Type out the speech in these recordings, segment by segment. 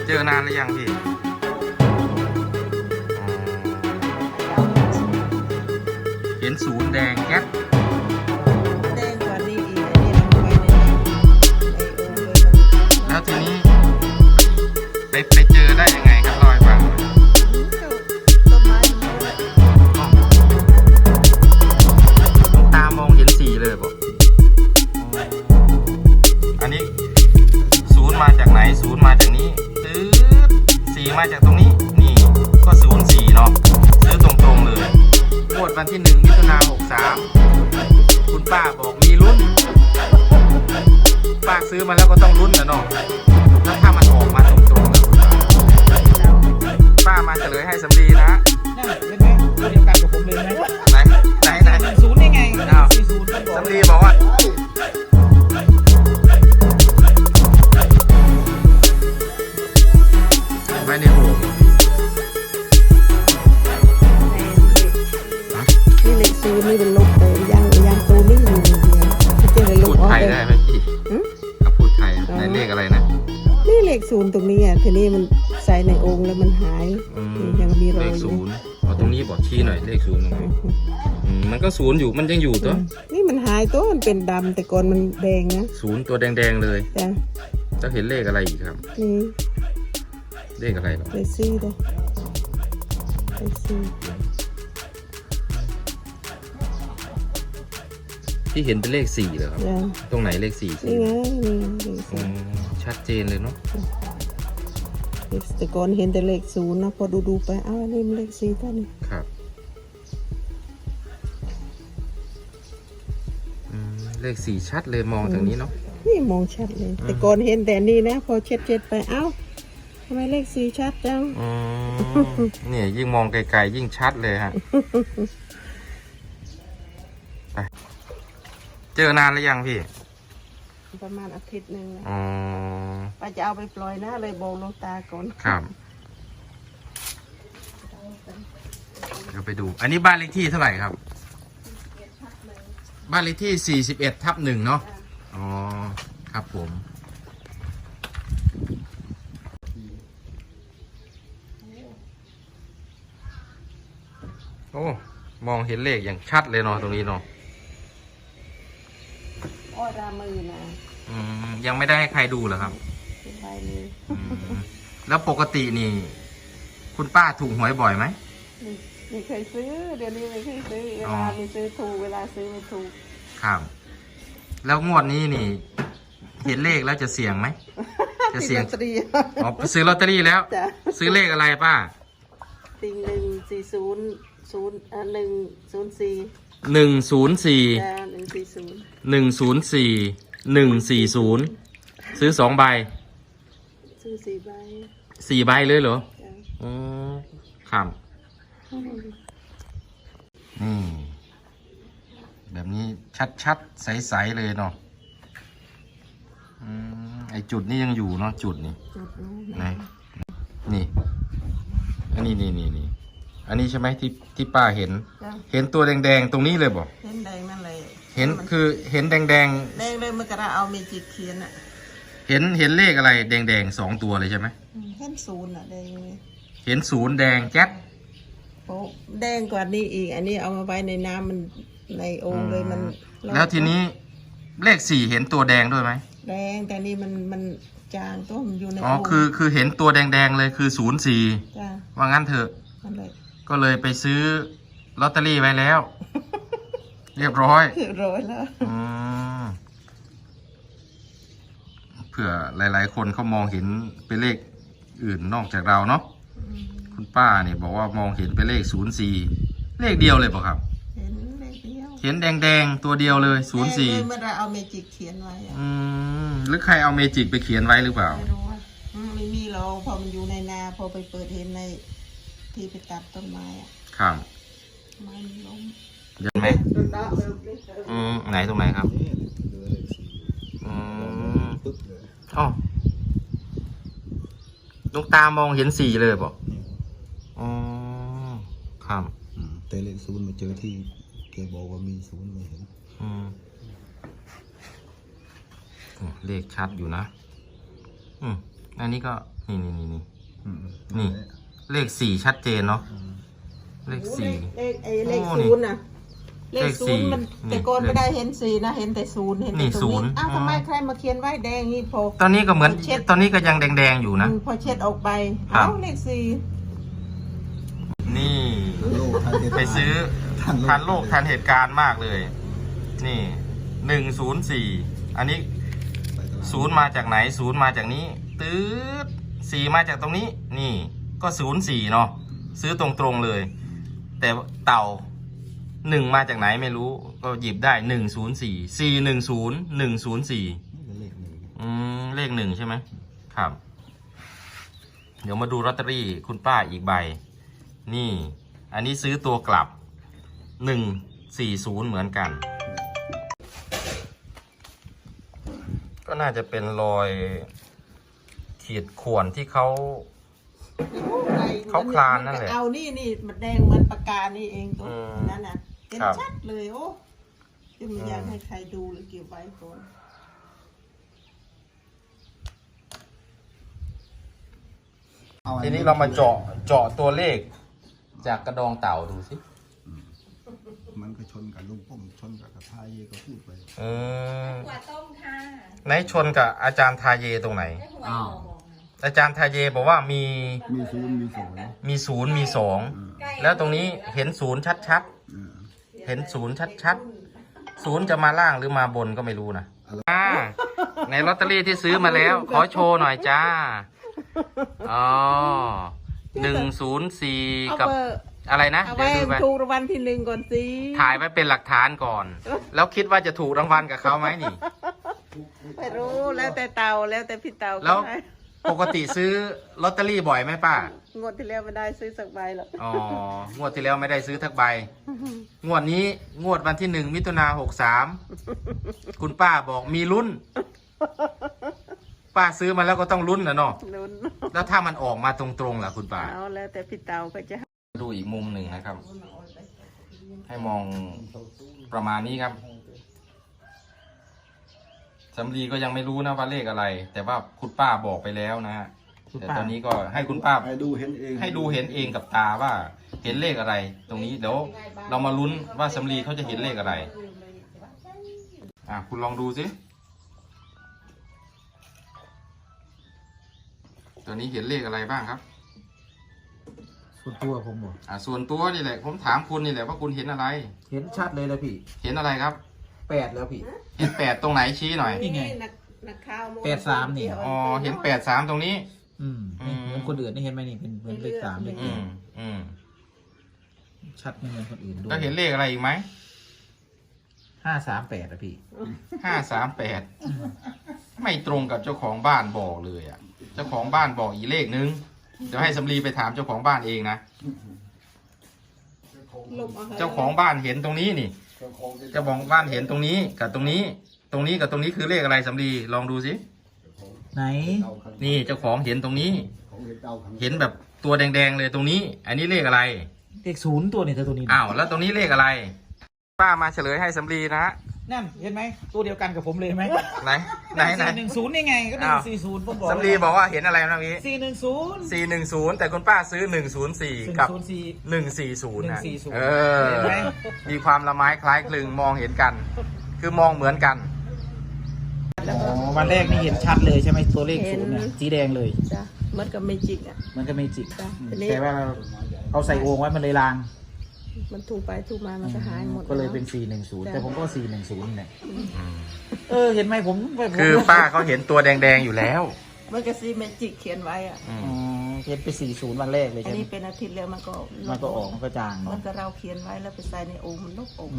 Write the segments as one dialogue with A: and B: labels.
A: เจอนานหรือยังพี่เห็นศูนย์แดงแก๊ส
B: แดงกว่านี้อีกอันนี้เราไปใน
A: แล้วทีนี้ไปเจอได้ยังไงครับลอยฟัง
B: ต้นไม้มันด้วย
A: ตามองเห็นสีเลยบอกอันนี้ศูนย์มาจากไหนศูนย์มาจากนี้ซื้อสีมาจากตรงนี้นี่ก็ศูนย์สี่เนาะซื้อตรงๆเลยงวดวันที่1 มิถุนายน 63คุณป้าบอกมีลุ้นป้าซื้อมาแล้วก็ต้องลุ้นนะเนาะแล้วถ้ามันออกมาตรงๆแล้วป้ามาเฉลยให้สำลีนะ
B: นั่นเป็นไงตัวเดียวกันกับผมเลยไหม
A: ไหน
B: ศูนย์ได้ไง40
A: สำลีบอกว่าไว้ในหู
B: นี่เลขศูนย์นี่เป็นลบเลยยังตัวนี้อยู่เดียวที่เจอเลยลบออก
A: พูดไทยได้ไหมพี่พูดไทยในเลขอะไรนะ
B: นี่เลขศูนย์ตรงนี้อ่ะทีนี้มันใส่ในองค์แล้วมันหายยังมีรอย
A: เลขศูนย์ตรงนี้บอกชี้หน่อยเลขศูนย์ตรงนี้มันก็ศูนย์อยู่มันยังอยู่ตัว
B: นี่มันหายตัวมันเป็นดำแต่ก่อนมันแดงนะ
A: ศูนย์ตัวแดงๆเลย
B: จ้ะ
A: จะเห็นเลขอะไรอีกครับ
B: นี่
A: เลขอะไรหรอ
B: เลข4เลยเลข4
A: ที่เห็นเป็นเลข4เหรอครับตรงไหนเลข4
B: นี่ไงนี่
A: ชัดเจนเลยเนาะ
B: แต่ก่อนเห็นแต่เลข0นะพอดูไปอ้าวนี่มันเลข4ตัวนี้
A: ครับเลข4ชัดเลยมองทางนี้เนาะ
B: นี่มองชัดเลยแต่ก่อนเห็นแต่นี่นะพอเช็ดไปเอ้าทำไมเลข4ชัดจัง
A: นี่ยิ่งมองไกลๆยิ่งชัดเลยฮะเจอนานหรือยังพี่
B: ประมาณอาทิตย์นึงป้าจะเอาไปปล่อยนะเลยบอกหลวงตาก่อน
A: ครับเดี๋ยวไปดูอันนี้บ้านเลขที่เท่าไหร่ครับบ้านเลขที่41/1เนาะอ๋อครับผมโอ้มองเห็นเลขอย่างชัดเลยเนาะตรงนี้เนาะ
B: อ้อรามือนะ
A: ยังไม่ได้ให้ใครดูเหรอครับ
B: ใบนี้
A: แล้วปกตินี่คุณป้าถูกหวยบ่อยไหม
B: ไม่เคยซื้อเดี๋ยวนี้ไม่เคยซื้อเวลาไม่ซื้อถูกเวลาซื้อไม่ถูก
A: ครับแล้วงวดนี้นี่เห็นเลขแล้วจะเสี่ยงไหมจะเสี่ยงอ๋อซื้อลอตเตอรี่แล้วซื้อเลขอะไรป้า
B: ติง1400104
A: ซื้อ2 ใบ
B: ซื้อ4 ใบ
A: 4 ใบเลยเหรออ๋อครับแบบนี้ชัดๆใสๆเลยเนาะไอจุดนี้ยังอยู่เนาะจุดนี้ไหนนี่อันนี้นี่อันนี้ใช่ไหมที่ป้าเห็นตัวแดงๆตรงนี้เลยบอก
B: เห็นแดงนั่นเลย
A: เห็นคือเห็นแดง
B: เลยเมื่อกระเอาเมจิกเขียนอ่ะ
A: เห็นเลขอะไรแดง2 ตัวเลยใช่ไหม
B: เห็น0อ่ะแดง
A: เห็น0แดงแจ๊ด
B: โอ้แดงกว่านี้อีกอันนี้เอามาไว้ในน้ำมันในโอ่งเลยมัน
A: แล้วทีนี้เลข4เห็นตัวแดงด้วยไหม
B: แดงแต่นี่มันจางตัวมันอยู่ใน
A: อ๋อคือเห็นตัวแดงเลยคือ04ว่างั้นเถอะก็เลยไปซื้อลอตเตอรี่ไว้แล้วเรียบร้อย
B: แล้ว
A: เผื่อหลายๆคนเขามองเห็นเป็นเลขอื่นนอกจากเราเนาะคุณป้าเนี่ยบอกว่ามองเห็นเป็นเลข04เลขเดียวเลยเปล่าครับ
B: เห็นเลขเดียว
A: เห็นแดงตัวเดียวเลย
B: 04เมื่อเราเอาเมจิกเขียนไว้
A: หรือใครเอาเมจิกไปเขียนไว้หรือเปล่า
B: ไม่รู้ว่าไม่มีเราพอมันอยู่ในนาพอไปเปิดเห็นในที่ไปตัดต้นไม้อ่ะ
A: ครับ
B: ไม้มันล้ม
A: เห็นไหมไหนตรงไหนครับอ๋อลูกตามองเห็น4เลยบอกอ๋อครับ
C: แต่เลข0มาเจอที่แกบอกว่ามี0ไม่เห็น
A: เลขชัดอยู่นะอันนี้ก็นี่นี่นี่นี่
C: อืม
A: นี่ เลข4ชัดเจนเนาะเลข
B: โอ้
A: 4
B: เลข
A: โอ้
B: ศูนย์น่ะเลข
A: เลข
B: ศูนย์มัน
A: 4
B: แต่ก่อนไม่ได้เห็นสีนะเห็นแต่ศูนย์เห็น
A: นี่
B: แต่
A: ศูนย์
B: อ้าว
A: อ๋อ
B: ทำไมใครมาเขียนไว้แดงนี่พอ
A: ตอนนี้ก็เหมือน
B: เช็ด
A: ตอนนี้ก็ยังแดงๆอยู่นะ
B: พอเช็ดออกไป
A: ครับ
B: เอ้าเลขสี่
A: นี่
C: โลกทันเหตุ
A: ไปซื้อ ทันโลกทันเหตุการณ์มากเลย นี่104อันนี้
C: ไปตลาด
A: ศูนย์มาจากไหนศูนย์มาจากนี้ตืด4มาจากตรงนี้ นี่ก็04เนาะซื้อตรงๆเลย แต่เต่า1มาจากไหนไม่รู้ ก็หยิบได้104 410 104
C: เลขหนึ่ง
A: เลข1ใช่ไหมครับ เดี๋ยวมาดูลอตเตอรี่คุณป้าอีกใบ นี่ อันนี้ซื้อตัวกลับ140เหมือนกัน ก็น่าจะเป็นรอยขีดข่วนที่เขา เขาคลานนั่นแหละ
B: เอานี่มันแดงเหมือนปากกานี่เองตัว
A: อืม
B: นั่นน่ะเห็น
A: ครับ
B: ชัดเลยโอ้จะไม่อยากให้ใครดูหรือเก็บไว้ก่อน
C: ออั
A: ทีนี้เรามาเจาะตัวเลขจากกระดองเต่าดูสิ
C: มันก็ชนกับลุงป้อมชนกับกระทาเยก็พูดไป
D: หัวต้มค่ะ
A: ไหนชนกับอาจารย์ทาเยตรงไหน
D: ได้หัวหอม
A: อาจารย์ทาเยบอกว่ามี
C: มีศูนย์มีสอง
A: ศูนย์มีสอง แล้วตรงนี้เห็นศูนย์ชัดๆ เห็นศูนย์ชัดๆ ศูนย์จะมาล่างหรือมาบนก็ไม่รู้นะในลอตเตอรี่ที่ซื้อมาแล้ว ขอโชว์หน่อยจ้า อ๋อ104
B: เอา
A: กับ
B: เบอร์
A: อะไรนะ
B: เอา
A: เดี๋
B: ไว้
A: ยวดูไป
B: ถูกรางวัลที่หนึ่งก่อนสิ
A: ถ่ายไว้เป็นหลักฐานก่อน แล้วคิดว่าจะถูกรางวัลกับเขาไหมนี่
B: ไม่รู้แล้วแต่เตาแล้วแต่พี่เตา
A: แล้ว
B: ก็ได้
A: ปกติซื้อลอตเตอรี่บ่อยไหมป้า
B: งวดที่แล้วไม่ได้ซื้อสักใบหรอก
A: อ๋อ งวดที่แล้วไม่ได้ซื้อทักใบ งวดนี้งวดวันที่1 มิถุนา63 คุณป้าบอกมีลุ้น ป้าซื้อมาแล้วก็ต้องลุ้นนะเนาะ
B: ลุ้น
A: แล้วถ้ามันออกมาตรงๆล่ะคุณป้า
B: เอาแล้วแต่พี่เตาก็จะ
A: ดูอีกมุมหนึ่งนะครับ ให้มองประมาณนี้ครับสำลีก็ยังไม่รู้นะว่าเลขอะไร แต่ว่าคุณป้าบอกไปแล้วนะฮะแต่ตอนนี้ก็ให้คุณป้า
C: ให้ดูเห็นเอง
A: ให้ดูเห็นเองกับตาว่าเห็นเลขอะไร ตรงนี้เดี๋ยวเรามาลุ้นว่าสำลีเขาจะเห็นเลขอะไร คุณลองดูสิตัวนี้เห็นเลขอะไรบ้างครับ
E: ส่วนตัวผมบอก
A: ส่วนตัวนี่แหละ ผมถามคุณนี่แหละว่าคุณเห็นอะไร
E: เห็นชัดเลยแล้วพี่
A: เห็นอะไรครับ
E: 8แล้วพี่
A: เห็น8ตรงไหนชี้หน่อย
E: นี่ไง
B: นักข่าว
E: 83นี่
A: อ๋อเห็น8 3ตรงนี้
E: นี่เหมือนคนอื่นนี่เห็นไหมนี่เป็นเลข3เลข
A: อืมอืม
E: ชัดไม่เหมือนคนอื่นด้วย
A: แล้วเห็นเลขอะไรอีกไหม
E: 538อะพี่
A: 538ไม่ตรงกับเจ้าของบ้านบอกเลยอ่ะ เจ้าของบ้านบอกอีกเลขนึงเดี๋ยวให้สำลีไปถามเจ้าของบ้านเองนะ เจ้าของบ้านเห็นตรงนี้นี่ เจ้าของบ้านเห็นตรงนี้กับตรงนี้ ตรงนี้กับตรงนี้คือเลขอะไรสำลีลองดูสิ
E: ไหน
A: นี่เจ้าของเห็นตรงนี้
C: ของเด็กเต้าขัง
A: เห็นแบบตัวแดงๆเลยตรงนี้ อันนี้เลขอะไร
E: เลข0ตัวนี่เธอตัวนี้
A: อ้าวแล้วตรงนี้เลขอะไร ป้ามาเฉลยให้สำลีนะ
E: นั่นเห็นไหมตัวเดียวกันกับผมเลยไหม
A: ไหนไหน
E: 410นี่ไงก็
A: อ้าว
E: 140ผมบอก
A: สำลีบอกว่าเห็นอะไรนะเมื่อกี้
E: 410
A: 410 แต่คุณป้าซื้อ104กับ
E: 104
A: 140นะ
E: 140
A: เออ
E: เห็นไหม
A: มีความละไม้คล้ายคลึงมองเห็นกัน คือมองเหมือนกัน
E: อ๋อวันแรกนี่เห็นชัดเลยใช่ไหมตัวเลข0เนี่ยสีแดงเลย
B: จ้ะมันก็ไม่จริงอ่ะ
E: มันก็ไม่จิก
B: จ้ะทีนี้
E: แต่ว่าเอาใส่โอ่งไว้มันเลยลาง
B: มันถูกไปถูกมามันก็หายหมด
E: ก็เลยเป็น 410 แต่ผมก็ 410เนี่ยเห็นไหมผม
A: คือป้าเขาเห็นตัวแดงๆอยู่แล้ว
B: มันก็ซีเมจิกเขียนไว้อ่ะ
E: อ๋อเห็นไป40วันแรกเลย
B: อัน
E: ใช่ไหม
B: นี้เป็นอาทิตย์แล้วมันก็
E: มันก็ออกมันก็จาง
B: มั
E: เนาะ
B: นก็เราเขียนไว้แล้วไปใส่ในโอ่งมันลบโอ่ง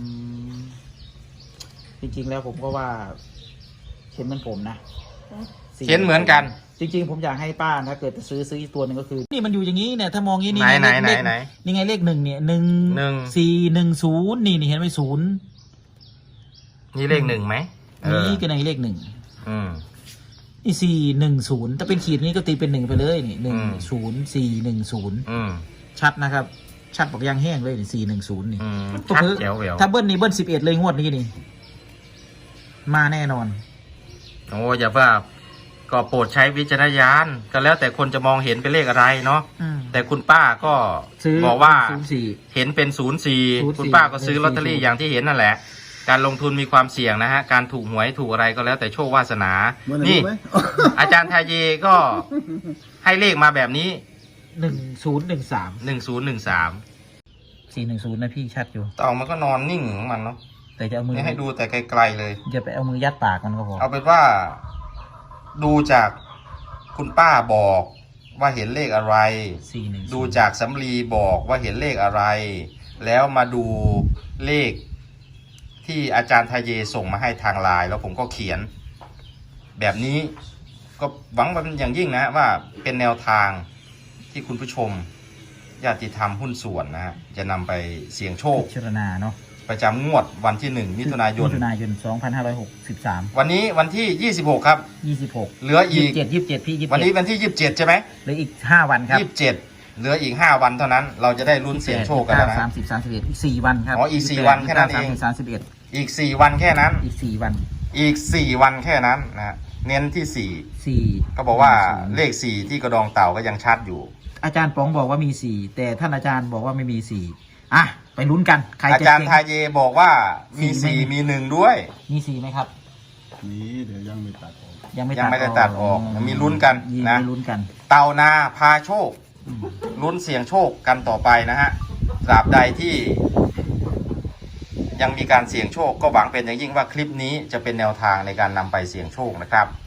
E: จริงๆแล้วผมก็ว่าเห็นเหมือนผมนะ
A: เห็นเหมือนกัน
E: จริงๆผมอยากให้ป้าถ้าเกิดจะซื้ออีกตัวหนึ่งก็คือ นี่มันอยู่อย่างนี้เนี่ยถ้ามองอย่างนี้
A: ไหน
E: เลข
A: ไหน
E: นี่ไงเลข1เนี่ย
A: หนึ่ง
E: 1 4 1 0นี่เห็นไหม0
A: นี่เลข1ไหม
E: นี่ก็ในเลข1
A: อืม
E: นี่410ถ้าเป็นขีดนี้ก็ตีเป็น1ไปเลยนี่
A: อืม
E: 10410
A: อืม
E: ชัดนะครับ ชัดบอกยางแห้งเลยนี่410นี่
A: อืมชัดแจ๋วแหวว
E: ถ้าเบิ้ลนี่เบิ้ล11เลยงวดนี้นี่ มาแน่นอน
A: โอ้อย่าว่าก็โปรดใช้วิจารณญาณก็แล้วแต่คนจะมองเห็นเป็นเลขอะไรเนาะแต่คุณป้าก็
E: ซื้อ
A: บอกว่า
E: 04
A: เห็นเป็น
E: 04
A: คุณป้าก็ซื้อลอตเตอรี่
E: 04
A: อย่างที่เห็นนั่นแหละ การลงทุนมีความเสี่ยงนะฮะการถูกหวยถูกอะไรก็แล้วแต่โชควาสนา
C: เมื่อไหร่
A: นี่
C: รู้ไหม
A: อาจารย์ทาเยก็ให้เลขมาแบบนี้
E: 1013
A: 1013
E: 410นะพี่ชัดอยู่
A: เต่ามันก็นอนนิ่งของมันเนาะ
E: แต่จะเอามือ
A: นี่ให้ดูแต่ไกลๆเลย
E: อย่าไปเอามือยัดปากมันก็พอ
A: เอาเป็นว่าดูจากคุณป้าบอกว่าเห็นเลขอะไร
E: 410
A: ดูจากสำลีบอกว่าเห็นเลขอะไร แล้วมาดูเลขที่อาจารย์ทาเยส่งมาให้ทางไลน์แล้วผมก็เขียน แบบนี้ก็หวังเป็นอย่างยิ่งนะฮะว่าเป็นแนวทางที่คุณผู้ชมญาติธรรมหุ้นส่วนนะฮะจะนำไปเสี่ยงโชค
E: พิจารณาเนาะ
A: ประจำงวดวันที่ 1 มิถุนายน
E: 2563
A: วันนี้วันที่ 26 ครับ
E: 26
A: เหลืออีก
E: 27พี่27
A: วันนี้วันที่ 27 ใช่ไหม
E: เหลืออีก5วันครับ
A: 27 เหลืออีก 5 วันเท่านั้น เราจะได้ลุ้นเสี่ยงโชคกันแล้วนะ
E: 30 31อีก4วันครับ
A: อ๋ออีก4วันแค่นั้นเอง
E: 31
A: อีก 4 วันแค่นั้น
E: อีก4วัน
A: อีก 4 วันแค่นั้นนะเน้นที่
E: 4
A: 4 ก็บอกว่าเลข 4 ที่กระดองเต่าก็ยังชัดอยู่
E: อาจารย์ป๋องบอกว่ามี4แต่ท่านอาจารย์บอกว่าไม่มี4อ่ะไปลุ้นกันใคร
A: อา
E: จะ
A: จารย์
E: เก่ง
A: ทาเยบอกว่ามี
E: 4
A: 4 มี 1 ด้วย
E: มี4ไหมครับ
C: นี่เดี๋ยวยังไม่ตัดออก
E: ยังไม่
A: ยังไม่ได้ตัดออกมีลุ้นกันนะ
E: มีลุ้นกัน
A: เต่านาพาโชค
E: อืม
A: ลุ้นเสี่ยงโชคกันต่อไปนะฮะตราบใดที่ยังมีการเสี่ยงโชคก็หวังเป็นอย่างยิ่งว่าคลิปนี้จะเป็นแนวทางในการนำไปเสี่ยงโชคนะครับ